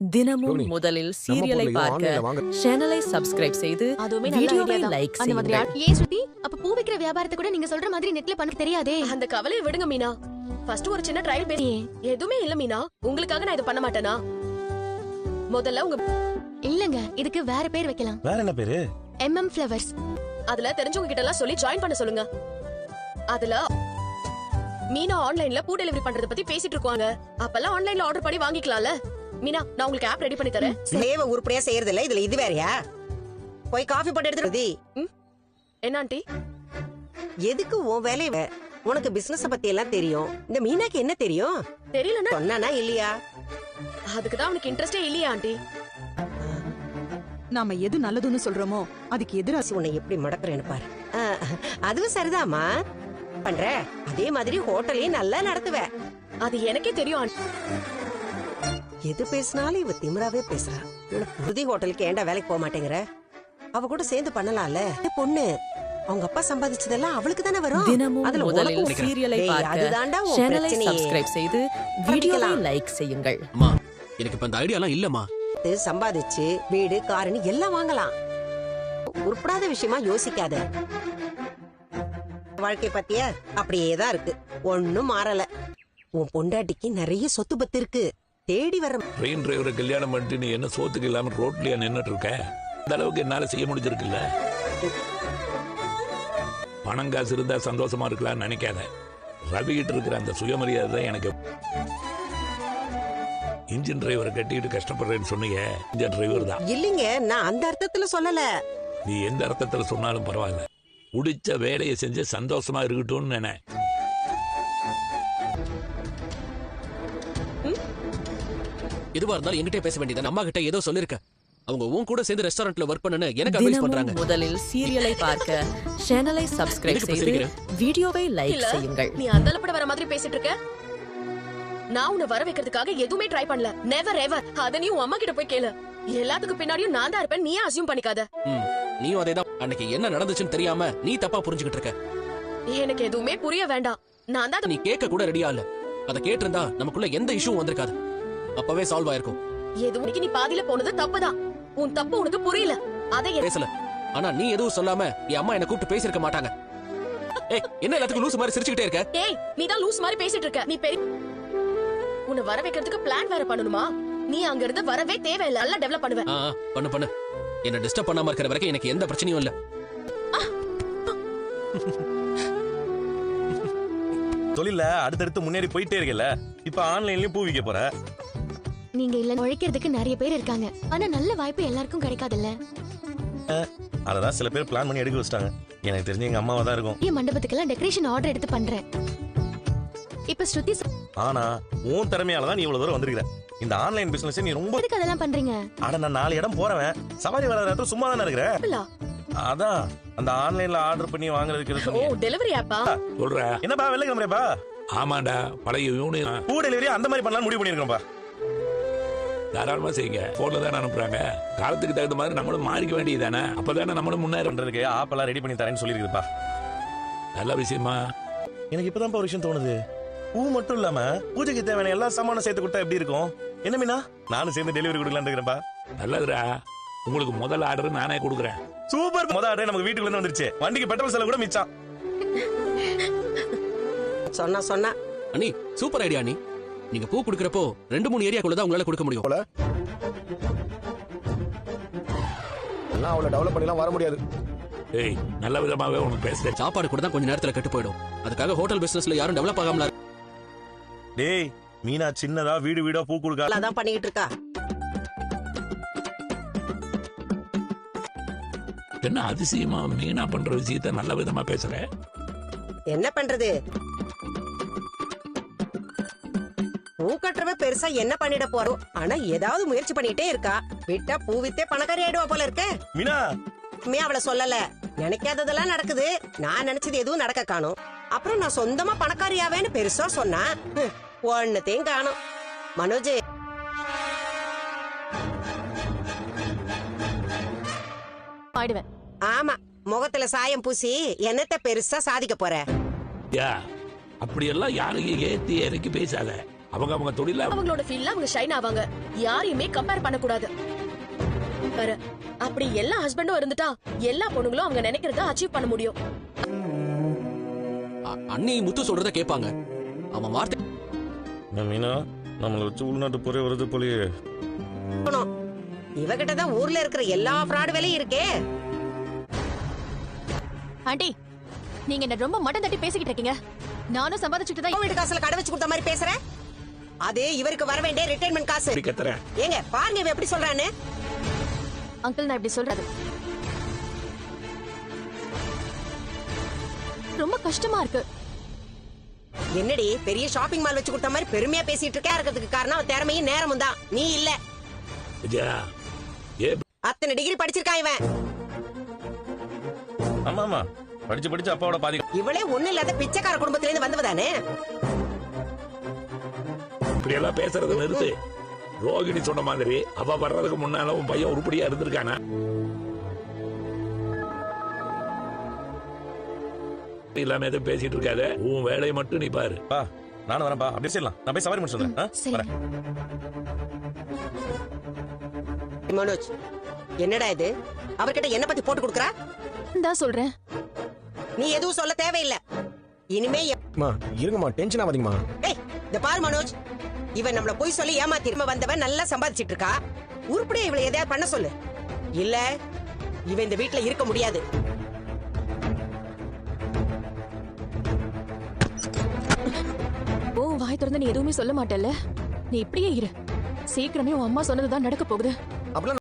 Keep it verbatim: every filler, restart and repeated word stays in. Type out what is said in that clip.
தினமும் முதலில் சீரியலை பார்க்க சேனலை சப்ஸ்கிரைப் செய்து வீடியோவை லைக் செய்யுங்கள். ஏன் ஸ்ருதி, அப்ப பூ விக்கிற வியாபாரத்தை கூட நீங்க சொல்ற மாதிரி நெட்ல பண்ண தெரியாதே? அந்த கவலையை விடுங்க மீனா. ஃபர்ஸ்ட் ஒரு சின்ன ட்ரையல் பேசி. எதுவுமே இல்ல மீனா, உங்களுக்காக நான் இத பண்ண மாட்டேனா? முதல்ல உங்க இல்லங்க, இதுக்கு வேற பேர் வைக்கலாம். வேற என்ன பேரு? MM flowers. அதுல தெரிஞ்சவங்க கிட்ட எல்லாம் சொல்லி ஜாயின் பண்ண சொல்லுங்க. அதுல மீனா ஆன்லைன்ல பூ டெலிவரி பண்றத பத்தி பேசிட்டு இருக்காங்க. அப்பெல்லாம் ஆன்லைன்ல ஆர்டர் பண்ணி வாங்கிக்கலாம்ல. மீனா, நான் உங்களுக்கு ஆப் ரெடி பண்ணி தரேன். சேவ உருப்படியா செய்யறது இல்ல, இதுல இது வேறயா? போய் காஃபி போட்டு எடுத்துட்டு. என்ன ஆண்டி? எதுக்கு உன் வேலைய? உனக்கு பிசினஸ் பத்தி எல்லாம் தெரியும், இந்த மீனாக்கு என்ன தெரியும்? தெரியலன்னா சொன்னானா இல்லையா? அதுக்கு தான் அவனுக்கு இன்ட்ரெஸ்டே இல்லையா ஆண்டி? நாம எது நல்லதுன்னு சொல்றோமோ அதுக்கு எதிரா உன்னை எப்படி மடக்குறேன்னு பாரு. அதுவும் சரிதாமா பண்ற. அதே மாதிரி ஹோட்டலையும் நல்லா நடத்துவ. அது எனக்கே தெரியும் ஆண்டி. எது பேசினாலும் இவ திமிராவே பேசுறா. புருதி ஹோட்டலுக்கு ஏண்டா வேலைக்கு போக மாட்டேங்கிற? அவ கூட சேர்ந்து பண்ணலாம்ல. பொண்ணு அவங்க அப்பா சம்பாதிச்சதெல்லாம் அவளுக்கு தானே வரும். தினமும் முதலில் சீரியலை பார்க்க சேனலை சப்ஸ்கிரைப் செய்து வீடியோவை லைக் செய்யுங்கள். அம்மா, எனக்கு இப்ப அந்த ஐடியாலாம் இல்லம்மா. சம்பாதிச்சு வீடு காருன்னு எல்லாம் வாங்கலாம். உருப்படாத விஷயமா யோசிக்காத. வாழ்க்கை பத்திய அப்படியேதான் இருக்கு, ஒன்னும் மாறல. உன் பொண்டாட்டிக்கு நிறைய சொத்து பத்து இருக்கு, தேடி வர. ட்ரெயின் டிரைவரை கல்யாணம் பண்ணிட்டு நீ என்ன சோத்துக்கு இல்லாம ரோட்லயா நின்னுட்டு இருக்க? இந்த அளவுக்கு என்னால செய்ய முடிஞ்சிருக்குல்ல. பணம் காசு இருந்தா சந்தோஷமா இருக்கலாம்னு நினைக்காத. ரவி கிட்ட இருக்கிற அந்த சுயமரியாதை தான் எனக்கு. இன்ஜின் டிரைவரை கட்டிட்டு கஷ்டப்படுறேன்னு சொன்னீங்க, இன்ஜின் டிரைவர் தான். இல்லீங்க, நான் அந்த அர்த்தத்துல சொல்லல. நீ எந்த அர்த்தத்துல சொன்னாலும் பரவாயில்ல, உடிச்ச வேலையை செஞ்சு சந்தோஷமா இருக்கட்டும்னு நினை. எதுவா இருந்தாலும் என்கிட்ட பேச வேண்டியது. அம்மா கிட்ட ஏதோ சொல்லிருக்க. அவங்க உன் கூட சேர்ந்து ரெஸ்டாரண்ட்ல வர்க் பண்ணனு எனக்கு அட்வைஸ் பண்றாங்க. முதலில் சீரியலை பார்க்க சேனலை சப்ஸ்கிரைப் செய்து வீடியோவை லைக் செய்யுங்கள். நீ அந்தலப்பட வர மாதிரி பேசிட்டு இருக்க. நான் உன்னை வர வைக்கிறதுக்காக எதுவுமே ட்ரை பண்ணல. Never ever. அத நீ உன் அம்மா கிட்ட போய் கேளு. எல்லாத்துக்கும் பின்னாடியும் நான் தான் இருப்பேன், நீ அசியூம் பண்ணிக்காத. நீயும் அதேதான். அன்னைக்கு என்ன நடந்துச்சுன்னு தெரியாம நீ தப்பா புரிஞ்சுக்கிட்டு இருக்க. எனக்கு எதுவுமே புரிய வேண்டாம். நான் தான் நீ கேட்க கூட ரெடியா இல்ல. அத கேட்டிருந்தா நமக்குள்ள எந்த இஷ்யூ வந்திருக்காது, அப்பவே சால்வ் ஆயிருக்கும். எதுவும் நீ பாதியில போனது தப்புதான். உன் தப்பு உனக்கு புரியல. அதை பேசல. ஆனா நீ எதுவும் சொல்லாம என் அம்மா என்ன கூப்பிட்டு பேசிருக்க மாட்டாங்க. ஏய், என்ன எல்லாத்துக்கும் லூஸ் மாதிரி சிரிச்சுக்கிட்டே இருக்க? ஏய், நீ தான் லூஸ் மாதிரி பேசிட்டு இருக்க. நீ பெரிய உன்னை வர வைக்கிறதுக்கு பிளான் வேற பண்ணணுமா? நீ அங்க இருந்து வரவே தேவையில்ல. நல்லா டெவலப் பண்ணுவேன். பண்ணு பண்ணு. என்ன டிஸ்டர்ப் பண்ணாம இருக்கிற வரைக்கும் எனக்கு எந்த பிரச்சனையும் இல்ல. தொழில அடுத்தடுத்து முன்னேறி போயிட்டே இருக்கல. இப்ப ஆன்லைன்லயும் பூ விக்க போற. நீங்க இல்ல உழைக்கிறதுக்கு நிறைய பேர் இருக்காங்க, ஆனா நல்ல வாய்ப்பு எல்லாருக்கும் கிடைக்காதுல்ல. அததான் சில பேர் பிளான் பண்ணி எடுக்க வச்சிட்டாங்க. எனக்கு தெரிஞ்ச எங்க அம்மாவா தான் இருக்கும். என் மண்டபத்துக்கெல்லாம் டெக்கரேஷன் ஆர்டர் எடுத்து பண்றேன். இப்ப ஸ்ருதி, ஆனா உன் திறமையால தான் நீ இவ்வளவு தூரம் வந்திருக்கிற. இந்த ஆன்லைன் பிசினஸ் நீ ரொம்ப எதுக்கு அதெல்லாம் பண்றீங்க? அட, நான் நாலு இடம் போறவன். சவாரி வர நேரத்துல சும்மா தானே இருக்கிறேன். அதான் அந்த ஆன்லைன்ல ஆர்டர் பண்ணி வாங்குறதுக்கு. ஓ, டெலிவரி ஆப்பா சொல்ற. என்னப்பா வெள்ளை கிளம்புறேப்பா? ஆமாண்டா, பழைய யூனியன் பூ டெலிவரி அந்த மாதிரி பண்ணலாம் முடிவு பண்ணிருக்கோம்ப்பா. தாராளமா செய்யுங்க. போன்ல தானே அனுப்புறாங்க. காலத்துக்கு தகுந்த மாதிரி நம்மளும் மாறிக்க வேண்டியதானே. அப்பதானே நம்மளும் முன்னேற. பண்றதுக்கு ஆப் எல்லாம் ரெடி பண்ணி தரேன்னு சொல்லிருக்குப்பா. நல்ல விஷயமா. எனக்கு இப்பதான் ஒரு விஷயம் தோணுது. பூ மட்டும் இல்லாம பூஜைக்கு தேவையான எல்லா சாமானும் சேர்த்து கொடுத்தா எப்படி இருக்கும்? என்ன மீனா, நானும் சேர்ந்து டெலிவரி கொடுக்கலான்னு இருக்கிறேன்ப்பா. நல்லதுடா. உங்களுக்கு முதல் ஆர்டர் நானே கொடுக்குறேன். சூப்பர். முதல் ஆர்டர் நமக்கு வீட்டுக்குள்ள இருந்து வந்துருச்சு. வண்டிக்கு பெட்ரோல் செலவு கூட மிச்சம். சொன்னா சொன்னா அண்ணி, சூப்பர் ஐடியா அண்ணி. நீங்க பூ குடுக்கறப்போ ரெண்டு மூணு ஏரியாக்குள்ள தான் உங்களால கொடுக்க முடியும். எல்லாம் அவ்வளவு டெவலப் பண்ணிலாம் வர முடியாது. ஏய், நல்ல விதமாவே உனக்கு பேசுறேன். சாப்பாடு கூட தான் கொஞ்ச நேரத்துல கெட்டு போயிடும். அதுக்காக ஹோட்டல் பிசினஸ்ல யாரும் டெவலப் ஆகாமல. டேய், மீனா சின்னதா வீடு வீடா பூ கொடுக்க அதான் பண்ணிட்டு இருக்கா. என்ன அதிசயமா மீனா பண்ற விஷயத்த நல்ல விதமா பேசுற. என்ன பண்றது? பூ கட்டுறவ பெருசா என்ன பண்ணிட போறோம். ஆனா ஏதாவது முயற்சி பண்ணிட்டே இருக்கா. விட்டா பூ வித்தே பணக்காரி ஆயிடுவா போல இருக்க. மீனா அவளை சொல்லல. நினைக்காததெல்லாம் நடக்குது. நான் நினைச்சது எதுவும் நடக்க காணும். அப்புறம் நான் சொந்தமா பணக்காரியாவேன்னு பெருசா சொன்னா ஒன்னுத்தையும் காணும். மனோஜ், ஆமா, முகத்துல சாயம் பூசி என்னத்த பெருசா சாதிக்க போற? அப்படியெல்லாம் யாரையும் ஏத்தி இறக்கி பேசாத. அவங்க அவங்க தொழில அவங்களோட ஃபீல்ட்ல அவங்க ஷைன் ஆவாங்க. யாரையுமே கம்பேர் பண்ண கூடாது. பாரு, அப்படி எல்லா ஹஸ்பண்டும் இருந்துட்டா எல்லா பொண்ணுங்களும் அவங்க நினைக்கிறத அச்சீவ் பண்ண முடியும். அ- அண்ணி முத்து சொல்றத கேட்பாங்க. அவன் வார்த்தை என்ன மீனா நம்மள வச்சு உள்நாட்டு போரே வருது போலயே. இவகிட்ட தான் ஊர்ல இருக்கிற எல்லா ஃப்ராட் வேலையும் இருக்கே. ஆண்டி, நீங்க என்ன ரொம்ப மட்டம் தட்டி பேசிக்கிட்டு இருக்கீங்க. நானும் சம்பாதிச்சுட்டு தான் வீட்டு காசுல கடை வச்சு கொடுத்த மாதிரி பேசுற. அதே இவருக்கு வர வேண்டிய ரிட்டைர்மெண்ட் காசு. இப்படி கத்துறேன். ஏங்க பாருங்க இவன் எப்படி சொல்றான்னு. அங்கிள், நான் இப்படி சொல்றது ரொம்ப கஷ்டமா இருக்கு. என்னடி பெரிய ஷாப்பிங் மால் வச்சு கொடுத்த மாதிரி பெருமையா பேசிட்டு இருக்கே. இருக்கிறதுக்கு காரணம் அவன் திறமையும் நேரமும் தான். நீ இல்ல. விஜயா ஏ அத்தனை டிகிரி படிச்சிருக்கான் இவன். ஆமா ஆமா படிச்சு படிச்சு அப்பாவோட பாதி. இவளே ஒண்ணு இல்லாத பிச்சைக்கார குடும்பத்துல இருந்து வந்தவதானே. இப்படி எல்லாம் பேசுறத நிறுத்து. ரோகிணி சொன்ன மாதிரி அவ வர்றதுக்கு முன்னால உன் பையன் உருப்படியா இருந்திருக்கானா? இல்லாம எதுவும் பேசிட்டு இருக்காத. உன் வேலையை மட்டும் நீ பாரு. பா நானும் வரேன்பா. அப்படியே செய்யலாம். நான் போய் சவாரி முடிச்சு வந்துடுறேன். ஆ, வரேன். மனோஜ், என்னடா இது? அவர்கிட்ட என்ன பத்தி போட்டு கொடுக்கறா? தான் சொல்றேன். நீ எதுவும் சொல்ல தேவையில்லை. இனிமே எப்- அம்மா இருங்கம்மா, டென்ஷன் ஆகாதீங்கம்மா. ஏய், இந்த பாரு மனோஜ், இவன் நம்மள போய் சொல்லி ஏமாத்திரும வந்தவன் நல்லா சம்பாதிச்சிட்டு இருக்கா. உருப்படியா இவளை எதையாவது பண்ண சொல்லு. இல்ல இவன் இந்த வீட்டுல இருக்க முடியாது. ஓ, வாய் திறந்து நீ எதுவுமே சொல்ல மாட்டல்ல. நீ இப்படியே இரு. சீக்கிரமே உன் அம்மா சொன்னதுதான் நடக்க போகுது. அப்பலாம்